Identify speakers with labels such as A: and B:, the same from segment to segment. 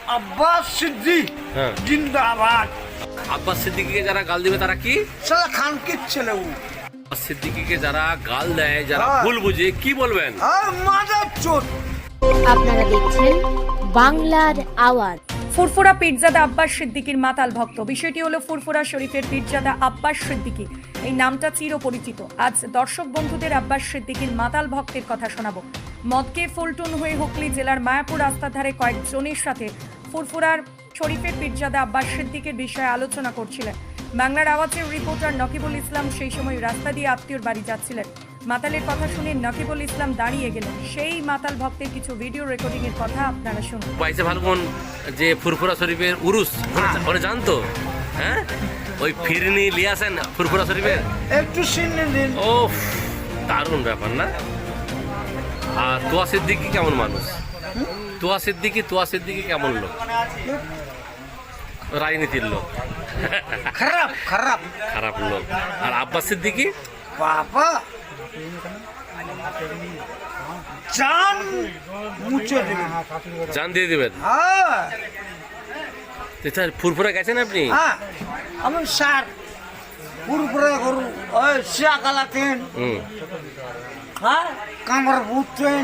A: আব্বাস সিদ্দিক
B: হ্যাঁ।
A: জিন্দাবাদ।
B: আব্বাস সিদ্দিকীকে যারা গাল দিবে তারা কি?
A: সালা খানকির ছেলে ও।
B: আব্বাস সিদ্দিকীকে যারা গাল দেয়, যারা
A: হ্যাঁ।
B: ভুল বুঝে, কি বলবেন?
A: আর মাদার চোদ।
C: আপনারা দেখছেন বাংলার আওয়াজ।
D: ফুরফুরা পীরজাদা আব্বাস সিদ্দিকীর মাতাল ভক্ত। বিষয়টি হলো ফুরফুরা শরীফের পীরজাদা আব্বাস সিদ্দিকী। এই নামটা চিরপরিচিত। আজ দর্শক বন্ধুদের আব্বাস সিদ্দিকীর মাতাল ভক্তের কথা শোনাবো। মদকে ফুলটুন হয়ে হুগলি জেলার মায়াপুর রাস্তার ধারে কয়েকজনের সাথে ফুরফুরার শরীফের পীরজাদা আব্বাস সিদ্দিকীর বিষয়ে আলোচনা করছিলেন। বাংলার আওয়াজের রিপোর্টার নকিবুল ইসলাম সেই সময় রাস্তা দিয়ে আত্মীয়র বাড়ি যাচ্ছিলেন। মাতালের কথা শুনে নকিবুল ইসলাম দাঁড়িয়ে গেলেন। সেই মাতাল ভক্তের কিছু ভিডিও রেকর্ডিং এর কথা আপনারা শুনুন।
B: বাইশে ফাল্গুন যে ফুরফুরা শরীফের উরুস, ওরা জানতো? হ্যাঁ, ওই ফিরনি লিয়াছেন ফুরফুরা শরীফের।
A: একটু সিনে দিন।
B: ও দারুণ ব্যাপার না? আর তোয়া সিদ্দিকী কেমন মানুষ? তোয়া সিদ্দিকী কেমন লোক? রাজনীতির লোক,
A: খারাপ খারাপ
B: খারাপ লোক। আর আব্বাস সিদ্দিকী
A: বাবা জান মুছে দিবেন।
B: জান দিয়ে দিবেন।
A: হ্যাঁ
B: ফুরফুরা গেছেন আপনি?
A: হ্যাঁ আমি স্যার পুরপুরা করু ওই শিয়া কালাতেন।
B: হুম
A: হ্যাঁ কামড় বুঝতেন,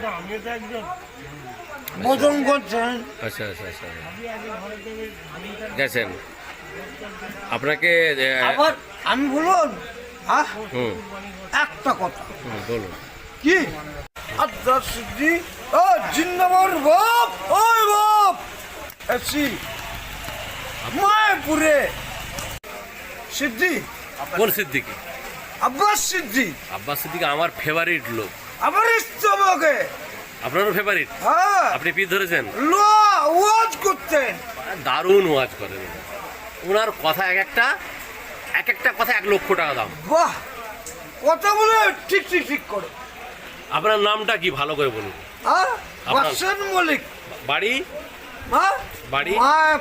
A: বোধন করছেন।
B: আচ্ছা আচ্ছা আচ্ছা, গেছেন। আপনাকে
A: আবার আমি বলুন, হ্যাঁ
B: হুম
A: একটা কথা
B: বলুন।
A: কি আব্বাস সিদ্দিক ও জিন্দাবাদ বাপ। ওই বাপ এসি মায়াপুরে সিদ্দিক।
B: কোন সিদ্দিকী?
A: আব্বাস সিদ্দিক
B: আব্বাস সিদ্দিকী আমার ফেভারিট লোক।
A: আবার ইস্তমাকে।
B: আপনারও ফেভারিট?
A: হ্যাঁ
B: আপনি পীর ধরেছেন?
A: ওয়াজ করতেন।
B: দারুণ ওয়াজ করেন ওনার কথা। এক একটা কথা 1 লক্ষ টাকা দাম।
A: বাহ, কথা বলে ঠিক ঠিক ঠিক করে।
B: আপনার নামটা কি ভালো করে বলুন?
A: হ্যাঁ
B: আপনার-
A: বাসন মলিক।
B: বাড়ি?
A: হ্যাঁ
B: বাড়ি?